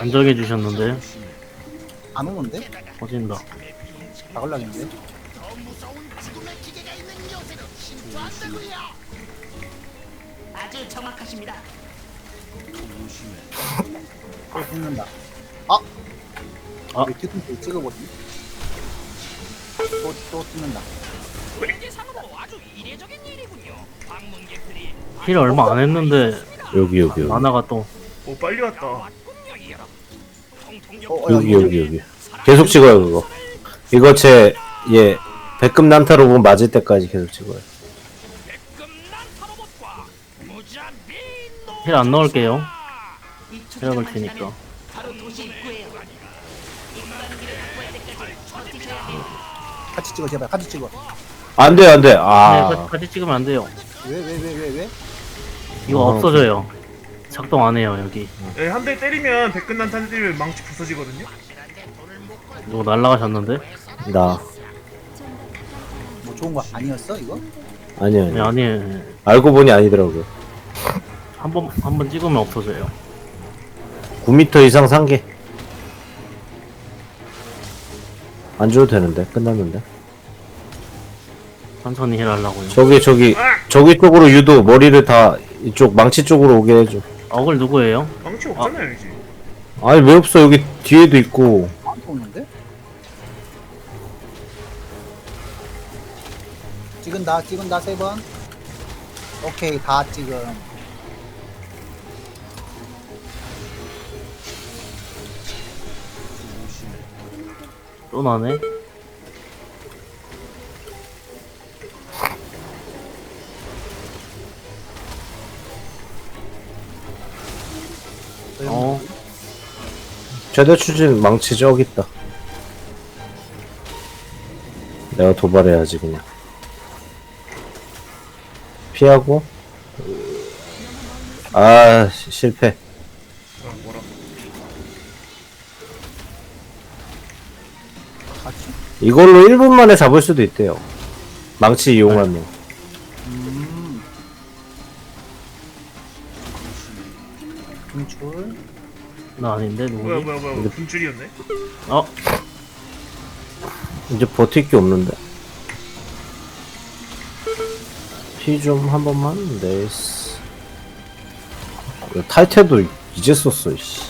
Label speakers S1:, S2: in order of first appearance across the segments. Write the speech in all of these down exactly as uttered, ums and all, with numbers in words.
S1: 안정해 주셨는데
S2: 안 오는데?
S1: 터진다.
S2: 박을라겠는데?
S3: 아주 정확하십니다.
S2: 또 붙는다. 아!
S1: 아.
S2: 왜 뒤통수 찍어보지? 또, 또 붙는다.
S3: 현지상으로 아주 이례적인 일이군요. 방문객들이
S1: 힐 얼마 안 했는데
S4: 여기 여기 여기
S1: 만화가 또
S5: 오 빨리 왔다.
S3: 왔군요, 이 여러분. 통통역
S2: 어, 어,
S4: 여기 여기 여기 계속 찍어요 그거. 이거 제 예 백금 난타 로봇 맞을 때까지 계속 찍어요.
S3: 백금난 타로봇과 무자비
S1: 힐 안 넣을게요.
S3: 이
S1: 체력을
S3: 추적만
S1: 테니까.
S3: 지나면 바로 도시 입구에요. 인간기를 확보할 때까지 버티셔야 해요.
S2: 같이 찍어, 제발. 같이 찍어.
S4: 안 돼, 안 돼.
S1: 네,
S4: 아,
S1: 같이, 같이 찍으면 안 돼요.
S2: 왜, 왜, 왜, 왜, 왜?
S1: 이거
S4: 어.
S1: 없어져요. 작동 안 해요 여기.
S5: 예, 한 대 때리면 백근난 탄 때리면 망치 부서지거든요.
S1: 누구 날라가셨는데?
S4: 나
S2: 뭐 좋은 거 아니었어, 이거?
S4: 아니
S1: 네,
S4: 아니.
S1: 아니
S4: 알고 보니 아니더라고요.
S1: 한 번 한 번 찍으면 없어져요.
S4: 구 미터 이상 상계. 안 줘도 되는데 끝났는데.
S1: 천천히 힐 하려고요.
S4: 저기 저기 저기 쪽으로 유도 머리를 다 이쪽 망치 쪽으로 오게 해줘.
S1: 어글 누구예요?
S5: 망치 없잖아요 이제.
S4: 아니 왜 없어 여기 뒤에도 있고.
S2: 안 오는데? 찍은다, 찍은다, 세 번. 오케이, 다 찍음.
S1: 또 나네. 어,
S4: 최대 추진 망치 저기 있다. 내가 도발해야지 그냥. 피하고. 아 시- 실패.
S5: 어, 뭐라?
S2: 같이?
S4: 이걸로 일 분 만에 잡을 수도 있대요. 망치 이용하면.
S2: 음. 분출.
S1: 나 아닌데
S5: 뭐야
S1: 누구지?
S5: 뭐야 뭐야 분줄이었네.
S1: 어,
S4: 이제 버틸 게 없는데. 피 좀 한 번만. 네이스. 탈퇴도 이제 썼어. 씨.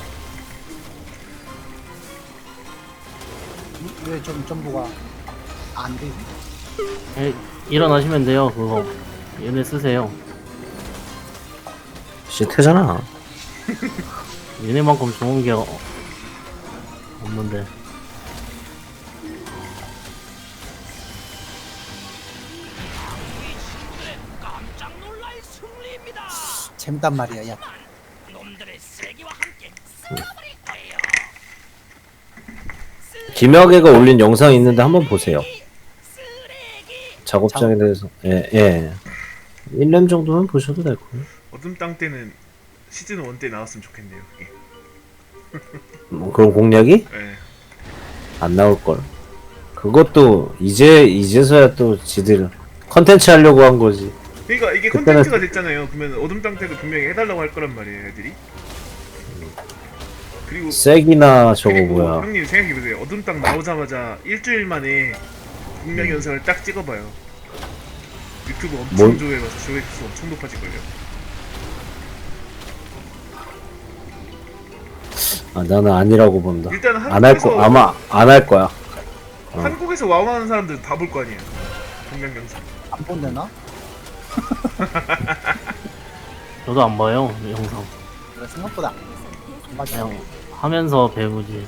S2: 왜 좀 전부가 안 돼?
S1: 에, 일어나시면 돼요. 그거 얘네 쓰세요.
S4: 시태잖아.
S1: 얘네만큼 좋은 게 어- 없는데.
S3: 깜짝 놀랄 승리입니다.
S2: 재밌단 말이야, 야.
S3: 놈들의 세기와 함께 쓸어버릴 거예요.
S4: 김혁애가 올린 영상이 있는데 한번 보세요.
S3: 쓰레기.
S4: 작업장에 대해서. 예, 예. 일 년 정도는 보셔도 될 거예요.
S5: 어둠 땅 때는 시즌 일 때 나왔으면 좋겠네요. 그게.
S4: 뭐 그런 공략이
S5: 예.
S4: 안 나올걸. 그것도 이제, 이제서야 또 지들 컨텐츠 하려고 한 거지.
S5: 그러니까 이게
S4: 그때는-
S5: 컨텐츠가 됐잖아요. 그러면 어둠 땅 때도 분명히 해달라고 할 거란 말이에요, 애들이. 그리고
S4: 쐐기나 저거
S5: 그리고
S4: 뭐야.
S5: 형님 생각해보세요. 어둠 땅 나오자마자 일주일 만에 공략 영상을 딱 찍어봐요. 유튜브 엄청
S4: 뭔-
S5: 조회해봐서 조회수 엄청 높아질걸요.
S4: 아, 나는 아니라고 본다.
S5: 일단
S4: 안 할 거,
S5: 한국에서
S4: 아마 안 할 거야. 어.
S5: 한국에서 와우 하는 사람들 다 볼 거 아니에요. 공략 영상.
S2: 안 본대나?
S1: 저도 안 봐요 이 영상.
S2: 그래, 생각보다. 맞아.
S1: 그냥 하면서 배우지.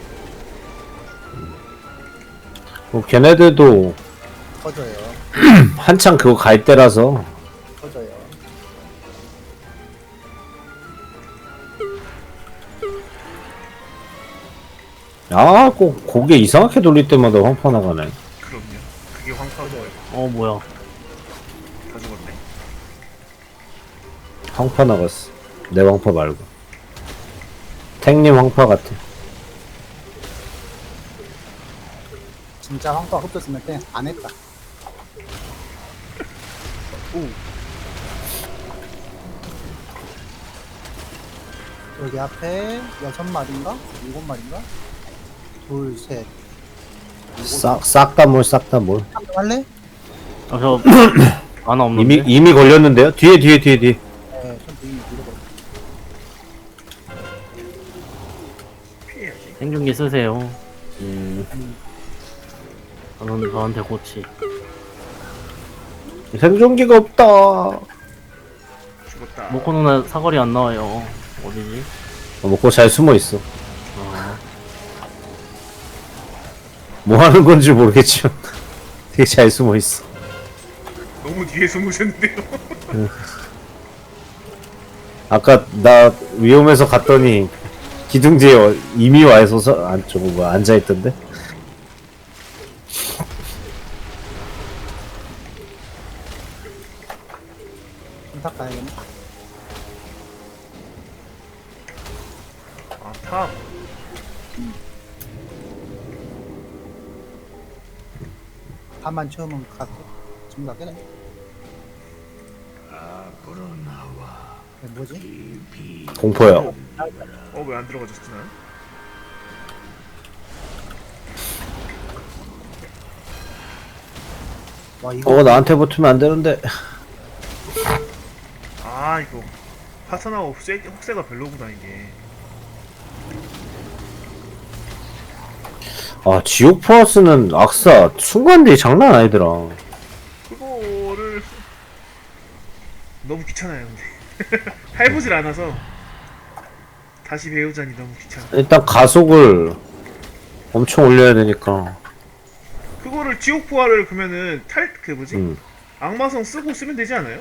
S4: 뭐 걔네들도
S2: 터져요.
S4: 한창 그거 갈 때라서.
S2: 터져요.
S4: 아, 꼭 고개 이상하게 돌릴 때마다 황파 나가네.
S5: 그럼요. 그게 황파고요.
S1: 어 뭐야?
S5: 다 죽었네.
S4: 황파 나갔어. 내 황파 말고. 탱님 황파 같아.
S2: 진짜 황파 흡졌으면 그냥 안 했다. 오. 여기 앞에 여섯 마리인가? 일곱 마리인가? 둘, 셋.
S4: 싹싹 다 뭘 싹 다 뭘.
S2: 할래?
S1: 아, 저 하나 없는데.
S4: 이미 이미 걸렸는데요? 뒤에 뒤에 뒤에 뒤에.
S2: 네, 천천히 밀어버려.
S5: 피해야지.
S1: 생존기 쓰세요.
S4: 음,
S1: 저는 저한테 고치.
S4: 생존기가 없다.
S5: 죽었다.
S1: 모코 누나 사거리 안 나와요. 어디지?
S4: 어, 먹고 잘 숨어 있어.
S1: 아,
S4: 뭐 하는 건지 모르겠지만 되게 잘 숨어 있어.
S5: 너무 뒤에 숨으셨는데요.
S4: 아까 나 위험해서 갔더니 기둥 뒤에 이미 와 있어서 안쪽 뭐 앉아 있던데.
S2: 딱 가야겠네.
S5: 아 탑.
S2: 다만 처음은 갔어. 지금 가겠네. 네, 뭐지?
S4: 공포야.
S5: 어 왜 안 들어가졌지 난?
S2: 와, 이거
S4: 어 나한테 붙으면 안 되는데.
S5: 아 이거 파선화 혹세 혹세가 별로구나 이게.
S4: 아 지옥 플러스는 악사 순간들이 장난 아니더라.
S5: 그거를 너무 귀찮아요 근데. 해보질 않아서 다시 배우자니 너무 귀찮아.
S4: 일단 가속을 엄청 올려야 되니까.
S5: 그거를 지옥 부활을 그러면은 탈 그 뭐지?
S4: 음.
S5: 악마성 쓰고 쓰면 되지 않아요?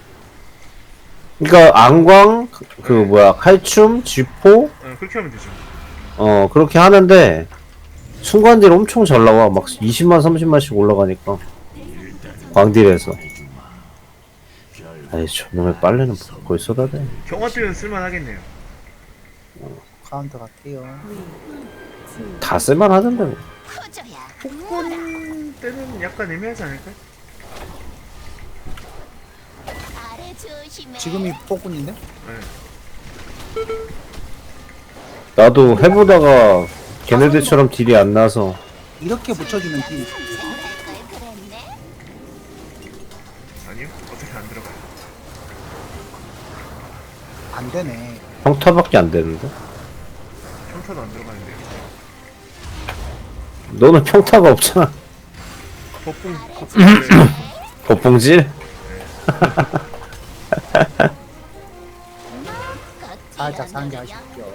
S4: 그러니까 안광 그, 그 뭐야 칼춤 쥐포
S5: 어, 그렇게 하면 되죠.
S4: 어 그렇게 하는데 순간딜 엄청 잘 나와. 막 이십만 삼십만씩 올라가니까 광딜에서. 아이 저놈의 빨래는 거의 쏟아대.
S5: 경화 때는 쓸만하겠네요.
S2: 카운터 갈게요.
S4: 다 쓸만 하던데 뭐.
S3: 커져야
S5: 폭군 때는 약간 애매하지 않을까요?
S3: 아래 조심해.
S2: 지금이 폭군인데?
S5: 네.
S4: 나도 해보다가 걔네들처럼 딜이 안 나서
S2: 이렇게 붙여주면 딜.
S3: 생각할 걸 그랬네.
S5: 아니요. 어차피 안 들어가요.
S2: 안 되네.
S4: 평타밖에 안 되는데.
S5: 평타도 안 들어가는데요.
S4: 너는 평타가 없잖아.
S5: 법봉 법봉
S4: 법봉질?
S2: 살짝 상기하십시오.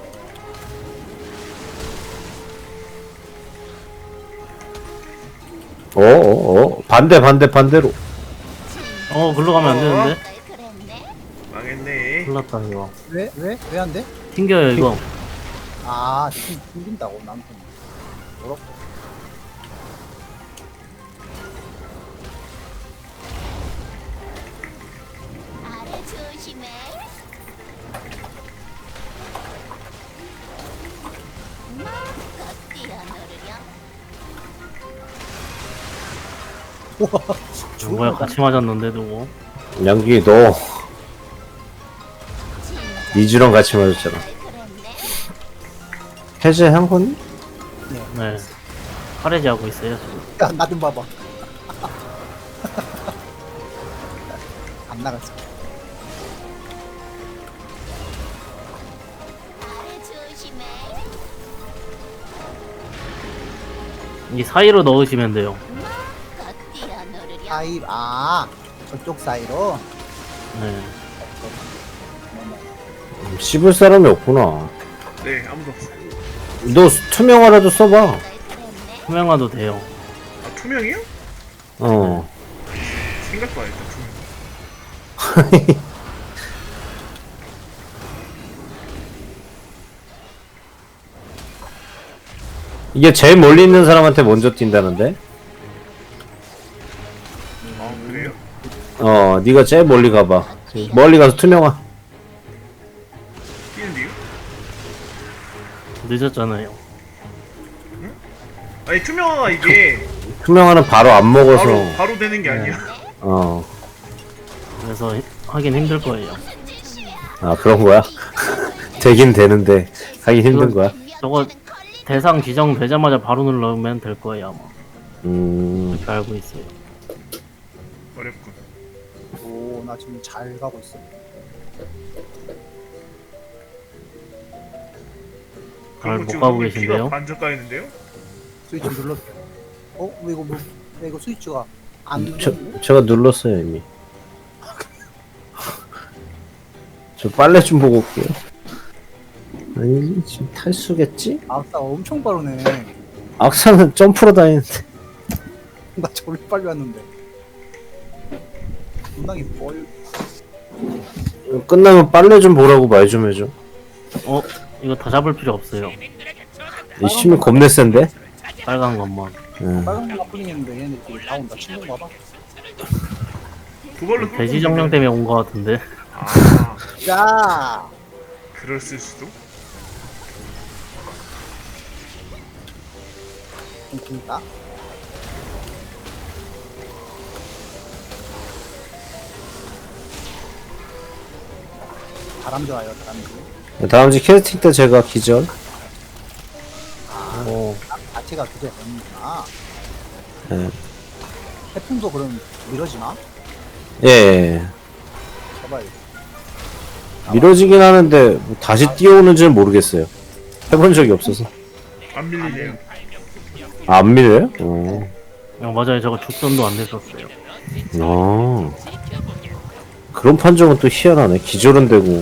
S4: 어어어 반대 반대 반대로.
S1: 어, 글로 가면 안 되는데?
S3: 걸 그랬네.
S5: 망했네.
S1: 큰일 났다, 이거.
S2: 왜? 왜? 왜 안 돼?
S1: 튕겨요, 이거.
S2: 아, 지금 튕긴다고 남편. 뭐라고?
S3: 아래 조심해. 마음껏 뛰어노르렴.
S2: 우와,
S1: 뭐야, 같이 맞았는데, 누구?
S4: 양기 너 니즈랑 같이 맞았잖아.
S3: 그랬네.
S4: 해제 한 건?
S1: 네. 파레지 하고 있어요, 지금.
S2: 야, 나 좀 봐봐. 안 나갔어.
S3: 아래 조심해.
S1: 이 사이로 넣으시면 돼요.
S3: 마음껏 뛰어노르렴.
S2: 사이, 아, 저쪽 사이로.
S1: 네.
S4: 씹을 사람이 없구나.
S5: 네 아무도 없어요.
S4: 너 투명화라도 써봐.
S3: 걸 그랬네.
S1: 투명화도 돼요.
S5: 아 투명이요?
S4: 어.
S5: 생각봐 일단 투명.
S4: 이게 제일 멀리 있는 사람한테 먼저 뛴다는데?
S5: 아 그래요?
S4: 어, 네가 제일 멀리 가봐. 멀리 가서 투명화.
S5: 뛰는데요?
S1: 늦었잖아요.
S5: 아니 투명화가 이게
S4: 투명화는 바로 안 먹어서.
S5: 바로 바로 되는 게 아니야.
S4: 어.
S1: 그래서 히- 하긴 힘들 거예요.
S4: 아, 그런 거야? 되긴 되는데 하기 힘든 거야.
S1: 저거 대상 지정되자마자 바로 누르면 될 거예요 아마.
S4: 음,
S1: 그렇게 알고 있어요.
S5: 어렵군.
S2: 오, 나 지금 잘 가고 있어.
S1: 잘
S5: 그리고
S1: 못
S5: 지금
S1: 가고
S5: 우리
S1: 계신데요?
S5: 피가 반짝 까있는데요?
S2: 스위치 눌렀어. 어? 왜 이거 뭐? 왜 이거 스위치가 안
S4: 저
S2: 눌렀는데?
S4: 제가 눌렀어요 이미. 저 빨래 좀 보고 올게요. 아니 지금 탈수겠지?
S2: 아싸 엄청 빠르네.
S4: 악사는 점프로 다니는데.
S2: 나 저리 빨리 왔는데. 분당이 뭘?
S4: 끝나면 빨래 좀 보라고 말 좀 해줘.
S1: 어? 이거 다 잡을 필요 없어요.
S4: 이 심이 겁내 센데?
S1: 빨간 것만.
S4: 응.
S2: 빨간 거가 풀리는데 얘네들이 다 온다. 친구 봐봐.
S5: 그걸로 끌고
S1: 돼지 정령
S5: 오면-
S1: 때문에 온 것 같은데.
S5: 아,
S2: 야!
S5: 그랬을 수도?
S2: 그니까. 바람 좋아요, 바람이.
S4: 다음 주 캐스팅 때 제가 기절.
S1: 오,
S2: 자체가 그게 되는구나.
S4: 예.
S2: 태풍도 그럼 미뤄지나?
S4: 예, 예.
S2: 제발.
S4: 미뤄지긴 하는데 뭐 다시 뛰어오는지는 모르겠어요. 해본 적이 없어서.
S5: 안 밀리네요.
S4: 아, 안 밀려요? 어.
S1: 어, 맞아요. 저거 죽선도 안 됐었어요.
S4: 어. 그런 판정은 또 희한하네. 기절은 되고.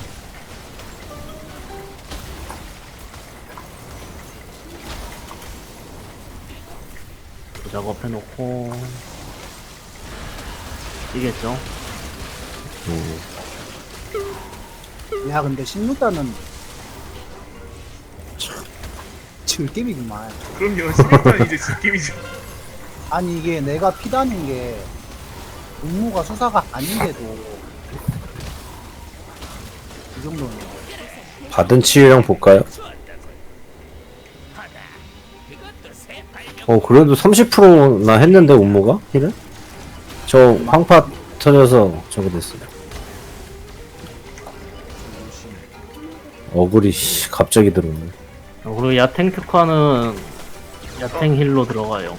S1: 작업해놓고 뛰겠죠?
S2: 야, 근데 십육 단은 참 즐겜이구만.
S5: 그럼요. 십육단은 이제 지킴이죠.
S2: 아니 이게 내가 피다는 게 임무가 수사가 아닌데도 이 정도는
S4: 받은 치유량 볼까요? 어, 그래도 삼십 퍼센트나 했는데, 운모가? 힐을? 저 황파 터져서 저거 됐어요. 어글이, 씨, 갑자기 들어오네.
S1: 어, 그리고 야탱 특화는 야탱 힐로 들어가요.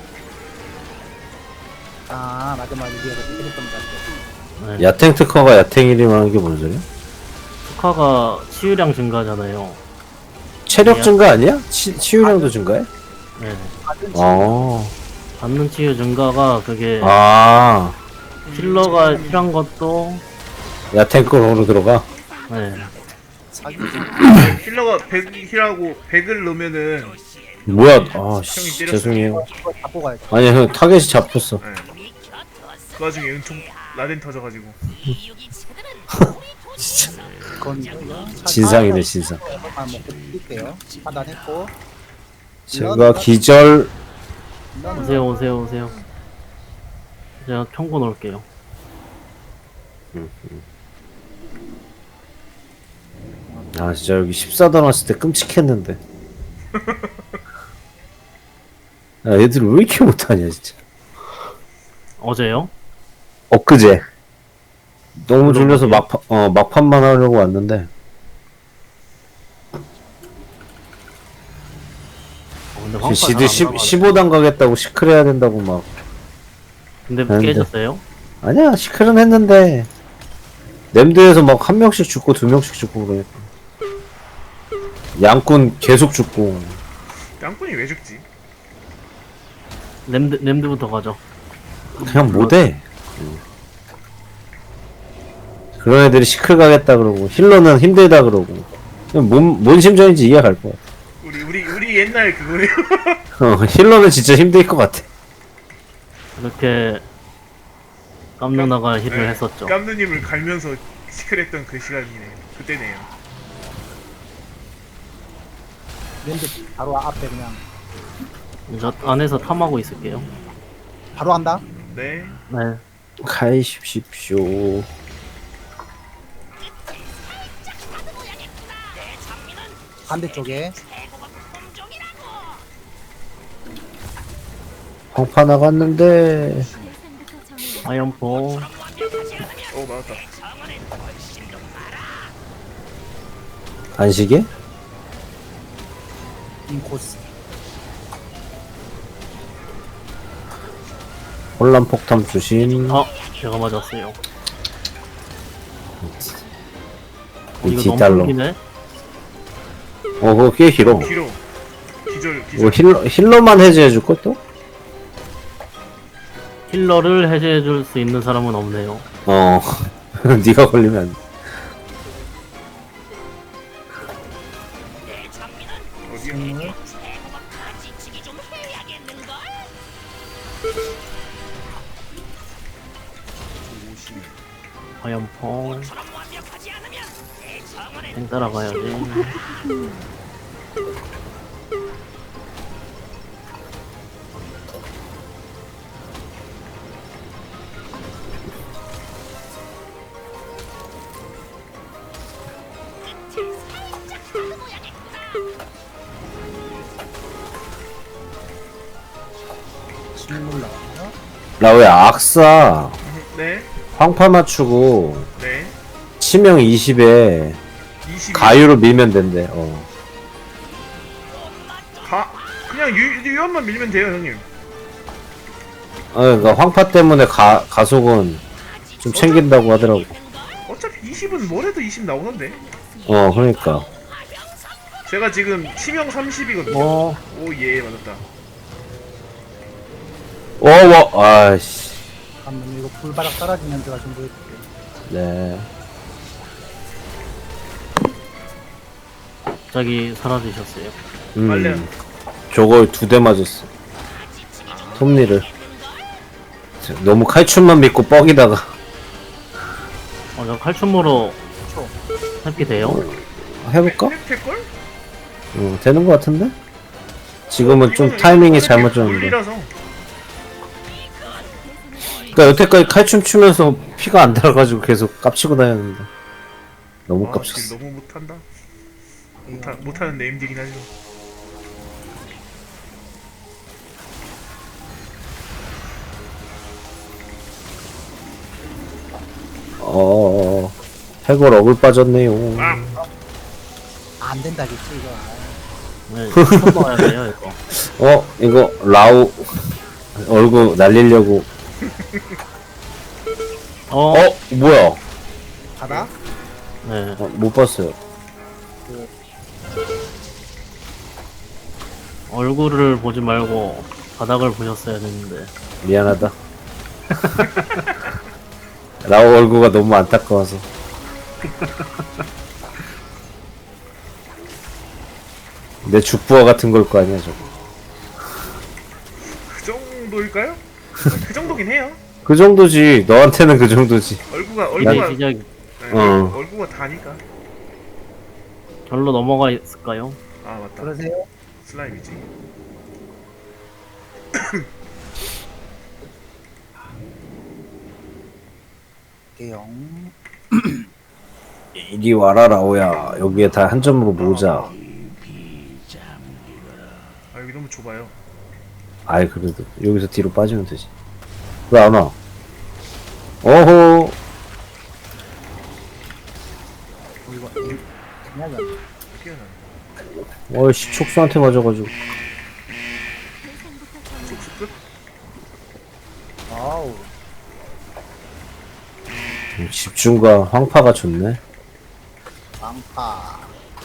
S2: 아 맞아 맞아 니가 그랬던 것 같아.
S1: 네.
S4: 야탱 특허가 야탱 힐이만 하는 게 뭔 소리야?
S1: 특화가 치유량 증가잖아요.
S4: 체력 증가 아니야? 치, 치유량도 증가해?
S1: 네.
S2: 받은
S4: 아,
S1: 받는 치유 증가가 그게
S4: 아,
S1: 힐러가 필요한 것도
S4: 야탱 거로 들어가?
S1: 네.
S2: 사기
S5: 힐러가 백 힐하고 백을 넣으면은
S4: 뭐야, 아, 씨,
S5: 형이 때렸어요.
S4: 죄송해요.
S2: 그걸 잡고 가야 돼.
S4: 아니, 형, 타겟이 잡혔어.
S5: 네. 그 와중에 은총 라덴 터져가지고
S4: 진짜.
S2: 그건 이거야.
S4: 진상이네, 진상.
S2: 아 먹고 드릴게요. 차단했고.
S4: 제가 기절,
S1: 오세요 오세요 오세요. 제가 평고 놓을게요.
S4: 아, 진짜 여기 십사 단 왔을 때 끔찍했는데. 야, 애들 왜 이렇게 못하냐, 진짜.
S1: 어제요?
S4: 엊그제. 너무 졸려서 막판, 어, 막판만 하려고 왔는데.
S1: 어, 근데
S4: 그
S1: 황파
S4: 시드
S1: 잘안
S4: 십,
S1: 나가네.
S4: 십오 단 가겠다고 시크를 해야 된다고 막.
S1: 근데
S4: 아닌데.
S1: 깨졌어요?
S4: 아니야, 시크는 했는데. 램드에서 막 한 명씩 죽고 두 명씩 죽고 그러니까. 양꾼 계속 죽고.
S5: 양꾼이 왜 죽지?
S1: 램드, 램드부터 가죠.
S4: 그냥 못해. 그런 애들이 시클 가겠다 그러고 힐러는 힘들다 그러고 뭔, 뭔 심정인지 이해가 갈 것 같아.
S5: 우리 우리 우리 옛날 그거네요.
S4: 어, 힐러는 진짜 힘들 것 같아.
S1: 이렇게 깜 누나가 힐을
S5: 네.
S1: 했었죠.
S5: 깜누님을 갈면서 시크했던 그 시간이네. 그때네요.
S2: 랜드 바로 앞에 그냥
S1: 저 안에서 탐하고 있을게요.
S2: 바로 한다.
S5: 네.
S1: 네.
S4: 가이십시오.
S2: 반대쪽에
S4: 황파 나갔는데
S1: 아이언포.
S5: 어 맞았다.
S4: 안시계?
S2: 인코스.
S4: 혼란 폭탄 주신.
S1: 어, 제가 맞았어요.
S4: 이
S1: 이거
S4: 뒷달로.
S1: 너무 끊기네?
S4: 어, 그거 꽤 길어.
S5: 길어. 기절
S4: 이거
S5: 기절.
S4: 힐러, 힐러만 해제해줄 것도?
S1: 힐러를 해제해줄 수 있는 사람은 없네요.
S4: 어. 네가 걸리면 안 돼.
S5: 어디야?
S2: 음.
S1: 화염펑. 행 따라가야지.
S2: 실물 나왔나?
S4: 라오야, 악사.
S5: 네.
S4: 황파 맞추고,
S5: 네.
S4: 치명 이십에
S5: 이십.
S4: 가유로 밀면 된대. 어.
S5: 가 그냥 유 유연만 밀면 돼요, 형님.
S4: 어, 그러니까 황파 때문에 가, 가속은 좀 챙긴다고 하더라고.
S5: 어차피 이십은 뭐래도 이십 나오는데.
S4: 어, 그러니까.
S5: 제가 지금 치명 삼십이거든요.
S1: 어,
S5: 오, 예, 맞았다.
S4: 어, 와, 아이씨.
S2: 잠깐만 이거 불바닥 떨어지면 제가 좀 보여줄게.
S4: 네.
S1: 갑자기 사라지셨어요.
S4: 음.
S5: 빨래요.
S4: 저걸 두 대 맞았어. 톱니를. 너무 칼춤만 믿고 뻑이다가.
S1: 어, 저 칼춤으로
S2: 초.
S1: 회피 돼요?
S4: 해볼까?
S5: 될걸?
S4: 응, 되는 것 같은데? 지금은 좀 타이밍이 잘못 졌는데.
S5: 물리라서.
S4: 그니까 여태까지 칼춤 추면서 피가 안 들어가지고 계속 깝치고 다녔는데. 너무
S5: 아,
S4: 깝쳤어.
S5: 지금 너무 못한다. 못하, 못하는 네임드긴 하죠.
S4: 어, 해골 억울 빠졌네요.
S5: 아,
S2: 안 된다겠지 이거.
S1: 네, 손 넣어야 돼요, 이거.
S4: 어, 이거 라우 얼굴 날리려고.
S1: 어,
S4: 어, 뭐야?
S2: 바닥?
S1: 네.
S4: 어, 못 봤어요.
S1: 얼굴을 보지 말고 바닥을 보셨어야 됐는데.
S4: 미안하다. 라우 얼굴가 너무 안타까워서. 내 죽부화 같은 걸 거 아니야, 저거.
S5: 그 정도일까요? 그 정도긴 해요.
S4: 그 정도지. 너한테는 그 정도지.
S5: 얼굴가
S1: 이게
S5: 얼굴가
S1: 시작
S5: 네,
S4: 어.
S5: 얼굴가 다니까.
S1: 절로 넘어가 있을까요?
S5: 아, 맞다.
S2: 그러세요?
S5: 슬라임이지.
S2: 대영.
S4: 이리 와라, 라오야. 여기에 다 한 점으로 모으자.
S5: 아, 여기 너무 좁아요.
S4: 아이, 그래도. 여기서 뒤로 빠지면 되지. 왜 안 와? 어호.
S2: 이거 그냥
S5: 피어나.
S4: 어이씨, 촉수한테 맞아가지고.
S5: 촉수 끝?
S2: 아우.
S4: 음, 집중과 황파가 좋네.
S2: 빵파.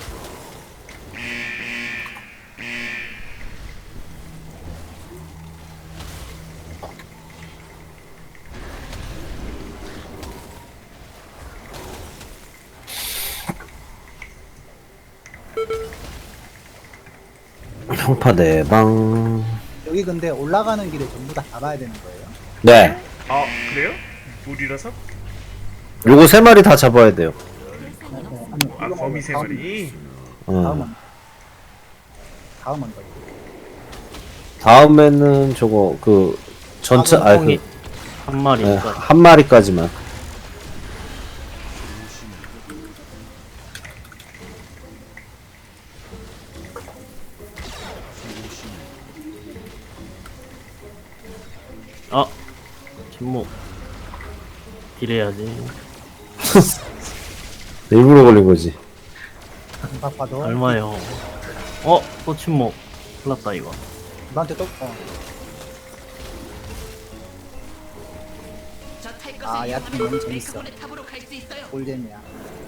S4: 황파 내방.
S2: 여기 근데 올라가는 길에 전부 다 잡아야 되는 거예요.
S4: 네.
S5: 아, 그래요? 물이라서?
S4: 요거 세 마리 다 잡아야 돼요.
S5: 아, 거미 세 마리.
S4: 어.
S2: 다음은 다음은 더.
S4: 다음에는 저거, 그, 전체,
S2: 아,
S4: 아,
S1: 똥이
S4: 그,
S1: 한
S4: 네,
S1: 마리니까.
S4: 한 마리까지만.
S1: 아, 침묵. 딜해야지.
S4: 일부러 걸린 거지.
S2: 바빠도
S1: 얼마요? 어? 또 침묵. 큰일 났다 이거.
S2: 너한테 또 어.
S3: 저탈 것을
S2: 아, 얕은
S3: 이용하면
S2: 건 재밌어.
S3: 벨크본의 탑으로 갈 수 있어요.
S2: 꿀잼이야.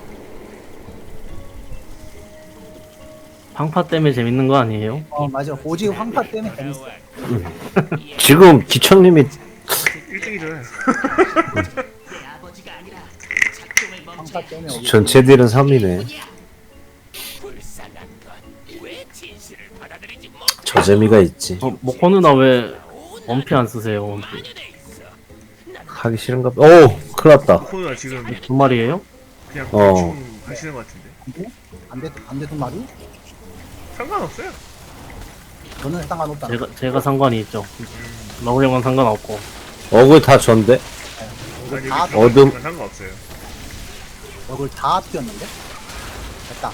S1: 방파 때문에 재밌는 거 아니에요?
S2: 어 맞아. 오직 황파 때문에 재밌어.
S4: 지금 기천님이
S5: 일등이잖아요.
S3: 내 아버지가 아니라 작동을
S2: 황파
S3: 멈춰야
S2: 때문에 오직.
S4: 전체 딜은 삼이네.
S3: 불쌍한 건왜 진실을 받아들이지 못
S4: 저 재미가 있지.
S1: 어, 모코 누나 왜 원피 안 쓰세요? 원피.
S4: 하기 싫은가 봐. 오! 큰일 났다.
S5: 코너가 지금
S1: 두 마리예요?
S5: 그냥
S4: 어.
S5: 대충 하시는 것 같은데.
S2: 안돼 안돼 두 마리?
S5: 상관없어요.
S2: 너는 상관없다.
S1: 제가 제가 상관이 있죠. 러브 형은 상관없고.
S4: 어글 다 전데?
S5: 아니,
S2: 다
S5: 여기
S4: 어둠.
S5: 들어가면 상관없어요.
S2: 얼굴 다 튀었는데? 됐다.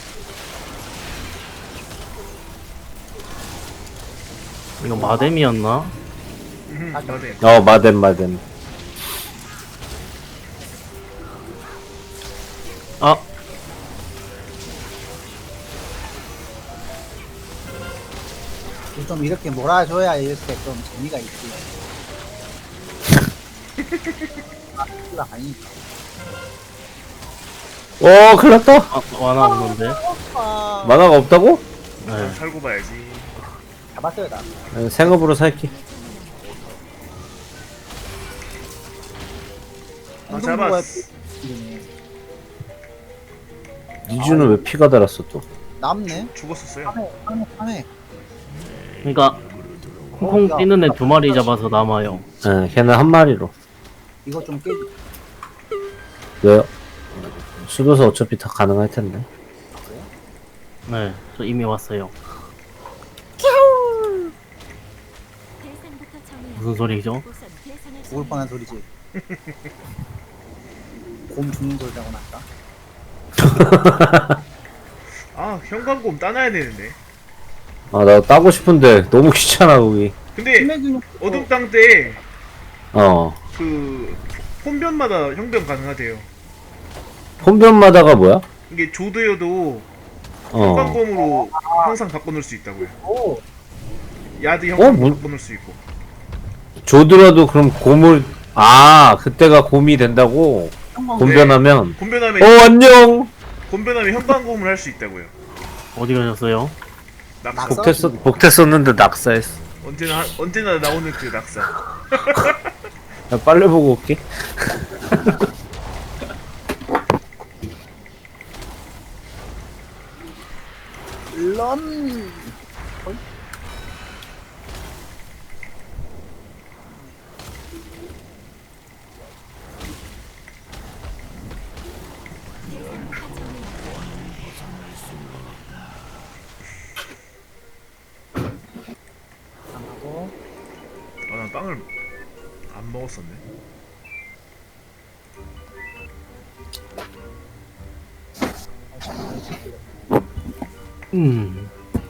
S1: 이거 마뎀이었나?
S5: 음, 맞네.
S4: 어, 마뎀, 마뎀.
S1: 아!
S2: 좀 이렇게 몰아줘야 이렇게 좀 재미가 있지. 아, 가 아니니까.
S4: 오, 큰일 났다.
S1: 아, 완화 없는데?
S2: 아,
S4: 만화가 없다고?
S1: 네.
S5: 살고 봐야지.
S2: 잡았어요 나.
S4: 네, 생업으로 살기.
S5: 아, 잡았어.
S4: 니주는 왜 피가 달았어, 또?
S2: 남네.
S5: 죽었었어요.
S2: 하네 하네 하네.
S1: 그러니까 콩콩 뛰는 애 두 마리 잡아서 남아요.
S4: 네, 걔는 한 마리로.
S2: 이거 좀 깨지.
S4: 왜요? 수도서 어차피 다 가능할 텐데.
S1: 네, 저 이미 왔어요. 무슨 소리죠?
S2: 죽을 뻔한 소리지. 곰 죽는 소리라고 났다.
S5: 아, 형광곰 따놔야 되는데.
S4: 아, 나 따고 싶은데 너무 귀찮아, 거기.
S5: 근데
S2: 신내균
S5: 어둠 땅 때
S4: 어.
S5: 그 혼변마다 형변 가능하대요.
S4: 혼변마다가 뭐야?
S5: 이게 조드여도
S4: 어.
S5: 형광곰으로 항상 바꿔놓을 수 있다고요.
S2: 오
S5: 야드 형광
S4: 어, 뭐-
S5: 바꿔놓을 수 있고.
S4: 조드라도 그럼 곰을, 아, 그때가 곰이 된다고?
S2: 형광
S4: 곰변하면?
S5: 곰변하면
S4: 어, 안녕!
S5: 곰변하면 형광곰을 할 수 있다고요.
S1: 어디 가셨어요?
S5: 낙사.
S2: 낙사?
S4: 복tes었, 복tes었는데 낙사했어.
S5: 언제나 하- 언제나 나오는 그 낙사.
S4: 나 빨래 보고 올게.
S2: 런. 하고
S5: 아, 난 빵을 안 먹었었네.
S1: 음.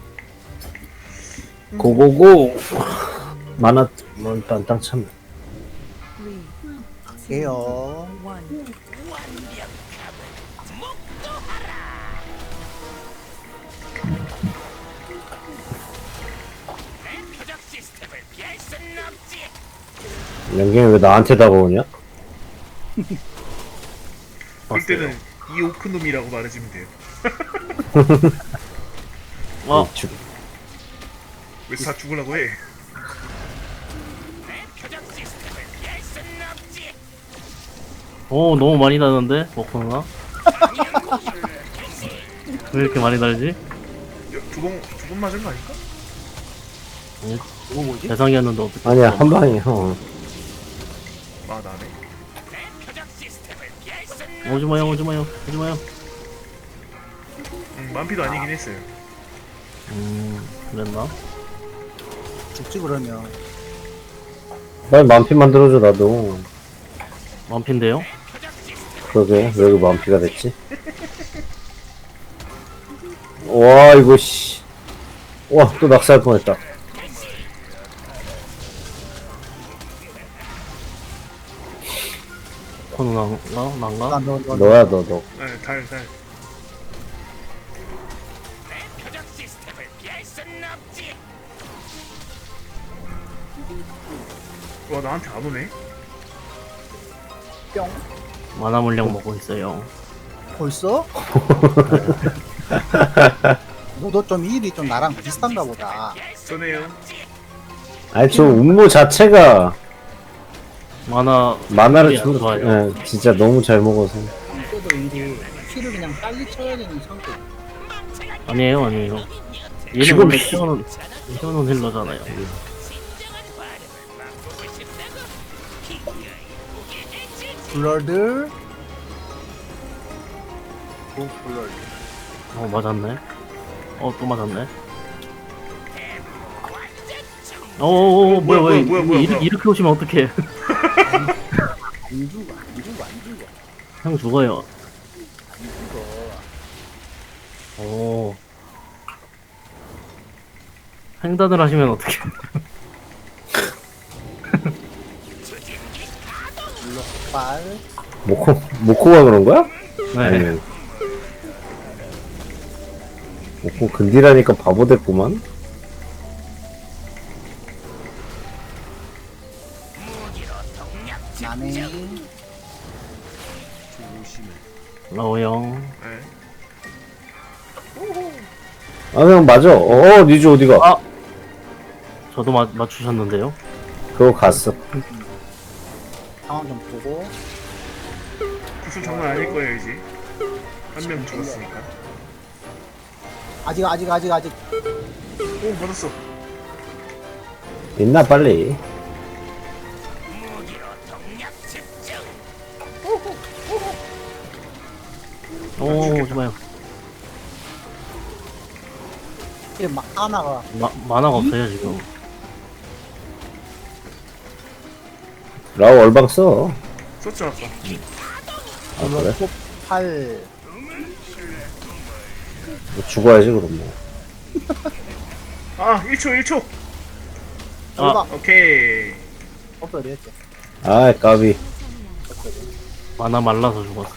S4: 고고고! 만화, 뭐, 일단 땅 참.
S2: 게요.
S3: 표적 시스템을 피할 수는 없지.
S4: 연경이 왜 나한테 다가오냐?
S5: 그럴 때는 이 오크놈이라고 말해주면 돼요.
S1: 어,
S4: 죽.
S5: 왜 다 죽으려고 해?
S3: 표적 시스템을 피할 수는 없지.
S1: 오, 너무 많이 나는데? 모코 누나? 왜 이렇게 많이 달지?
S5: 두번 두 번 맞은 거 아닐까?
S2: 이거 뭐지?
S1: 대상이었는데 어떻게?
S4: 아니야, 한 방에, 형.
S5: 아, 나네.
S3: 표적 시스템을 피할 수는
S1: 오지마요, 오지마요, 오지마요.
S5: 음, 만피도 아니긴 했어요.
S1: 음, 그랬나?
S2: 죽지 그러면.
S4: 빨리 만피 만들어줘, 나도.
S1: 원피인데요?
S4: 그러게, 왜 그 만피가 됐지? 와, 이거, 씨. 와, 또 낙사할 뻔했다.
S1: 모코 누나인가? 난가?
S2: 나 너, 너,
S4: 너야, 너, 너.
S5: 네, 달, 달. 와 나한테 안 오네.
S2: 뿅.
S1: 만화 물량 먹고 있어요.
S2: 벌써? 너도 좀 일이 좀 나랑 비슷한가 보다.
S5: 쏘네요.
S4: 아니 저 음모 자체가
S1: 만화
S4: 만화를
S1: 딜이 안
S4: 주,
S1: 좋아요.
S4: 예, 진짜 너무 잘 먹어서.
S2: 그때도 일이 키를 그냥 빨리 쳐야 되는 성격.
S1: 아니에요, 아니에요. 얘는
S4: 지금
S1: 원래
S4: 피-
S1: 키워놓은 키워놓은 힐러잖아요.
S2: 블러드. 오 블러드.
S1: 어 맞았네. 어 또 맞았네. 어어어 뭐야
S5: 뭐야,
S1: 왜
S5: 뭐야, 뭐야,
S1: 이렇게,
S5: 뭐야.
S1: 이렇게 오시면 어떡해.
S2: 안 죽어 안 죽어 안 죽어
S1: 형 죽어요.
S2: 안 죽어.
S1: 오. 횡단을 하시면 어떡해.
S2: 블러빨.
S4: 모코 모코가 그런 거야?
S1: 네.
S4: 아니. 모코 근디라니까 바보 됐구만.
S2: 나네.
S1: 라오 형.
S5: 네.
S4: 아 그냥 맞아. 어 니즈 어디가?
S1: 아! 저도 마, 맞추셨는데요?
S4: 그거 갔어.
S2: 상황 좀 보고.
S5: 구슬 장난 아닐 거예요 이제. 한 명 죽었으니까.
S2: 아직 아직 아직 아직.
S5: 오 받았어.
S4: 있나 빨리.
S1: 오, 좋아요.
S2: 이게 막 하나가
S1: 마, 만화가 없어요, 지금.
S4: 라오 얼방 써.
S5: 썼죠 아까.
S4: 아 그래?
S2: 팔.
S4: 뭐 죽어야지 그럼 뭐.
S5: 아 일 초 일 초.
S1: 아.
S2: 아.
S5: 오케이.
S2: 없어야 되겠지.
S4: 아 까비.
S1: 만화 말라서 죽었어요.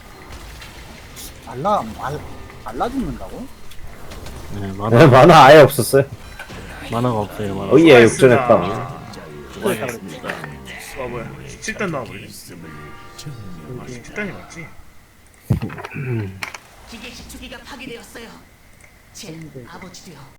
S2: 말라 말 말라 죽는다고?
S1: 네,
S4: 네,
S1: 만화,
S4: 만화 아예 없었어요.
S1: 만화가 없어요, 만화.
S4: 어이야
S5: 수고하셨습니다.
S4: 역전했다.
S1: 수고하셨습니다.
S5: 와 뭐야 십칠 단 나와버리네. 아 십칠 단이 맞지?
S3: 기계식 주기가 파괴되었어요. 제 아버지도요.